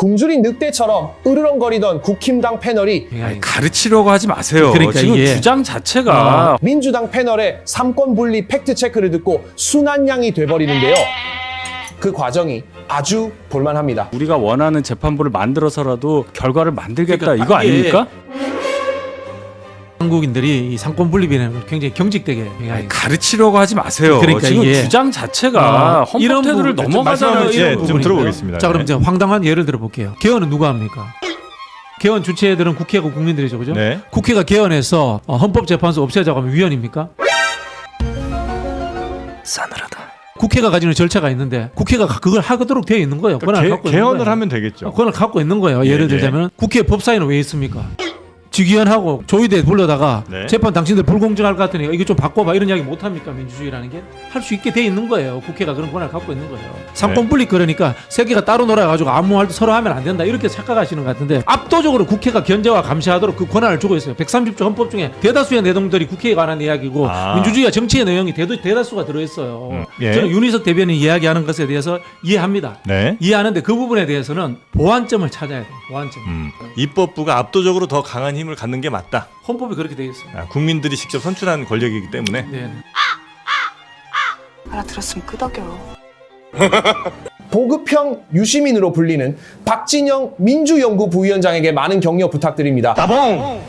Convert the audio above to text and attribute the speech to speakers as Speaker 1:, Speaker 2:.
Speaker 1: 굶주린 늑대처럼 으르렁거리던 국힘당 패널이
Speaker 2: 아니, 가르치려고 하지 마세요.
Speaker 3: 그러니까
Speaker 2: 지금
Speaker 3: 이게
Speaker 2: 주장 자체가
Speaker 1: 민주당 패널의 삼권 분리 팩트체크를 듣고 순한양이 돼버리는데요. 그 과정이 아주 볼만합니다.
Speaker 2: 우리가 원하는 재판부를 만들어서라도 결과를 만들겠다
Speaker 3: 그러니까
Speaker 2: 이거
Speaker 3: 이게
Speaker 2: 아닙니까?
Speaker 3: 한국인들이 이 상권 분립에는 굉장히 경직되게
Speaker 2: 아니, 가르치려고 하지 마세요.
Speaker 3: 그러니까
Speaker 2: 지금
Speaker 3: 이게
Speaker 2: 주장 자체가 헌법
Speaker 3: 이런
Speaker 2: 태도를
Speaker 3: 부분,
Speaker 2: 넘어가잖아요.
Speaker 3: 이런
Speaker 2: 이런
Speaker 3: 부분인데요.
Speaker 4: 좀 들어보겠습니다.
Speaker 3: 자, 그럼
Speaker 4: 네.
Speaker 3: 이제 황당한 예를 들어볼게요. 개헌은 누가 합니까? 개헌 주체들은 국회하고 국민들이죠, 그죠?
Speaker 4: 네.
Speaker 3: 국회가 개헌해서 헌법재판소 없애자고 하면 위헌입니까?
Speaker 2: 싸늘하다.
Speaker 3: 국회가 가지는 절차가 있는데 국회가 그걸 하도록 되어 있는 거예요. 권한을 갖고 있는
Speaker 4: 개헌을
Speaker 3: 거예요.
Speaker 4: 하면 되겠죠.
Speaker 3: 권한을 갖고 있는 거예요. 예를
Speaker 4: 예.
Speaker 3: 들자면 국회 법사위는 왜 있습니까? 직위원하고 조의대 불러다가
Speaker 4: 네.
Speaker 3: 재판 당신들 불공정할 것 같으니까 이거 좀 바꿔봐 이런 이야기 못 합니까? 민주주의라는 게 할 수 있게 돼 있는 거예요. 국회가 그런 권한을 갖고 있는 거예요. 상권 분립 그러니까 세계가 따로 놀아가지고 아무 말도 서로 하면 안 된다 이렇게 착각하시는 것 같은데 압도적으로 국회가 견제와 감시하도록 그 권한을 주고 있어요. 130조 헌법 중에 대다수의 내용들이 국회에 관한 이야기고 민주주의와 정치의 내용이 대다수가 들어있어요.
Speaker 4: 예.
Speaker 3: 저는 윤희석 대변인이 이야기하는 것에 대해서 이해합니다.
Speaker 4: 네.
Speaker 3: 이해하는데 그 부분에 대해서는 보완점을 찾아야 돼요. 보완점.
Speaker 4: 입법부가 압도적으로 더 강한 힘을 갖는 게 맞다.
Speaker 3: 헌법이 그렇게 돼 있어요.
Speaker 4: 국민들이 직접 선출한 권력이기 때문에.
Speaker 3: 네.
Speaker 5: 알아들었으면 끄덕여.
Speaker 1: 보급형 유시민으로 불리는 박진영 민주연구 부위원장에게 많은 격려 부탁드립니다.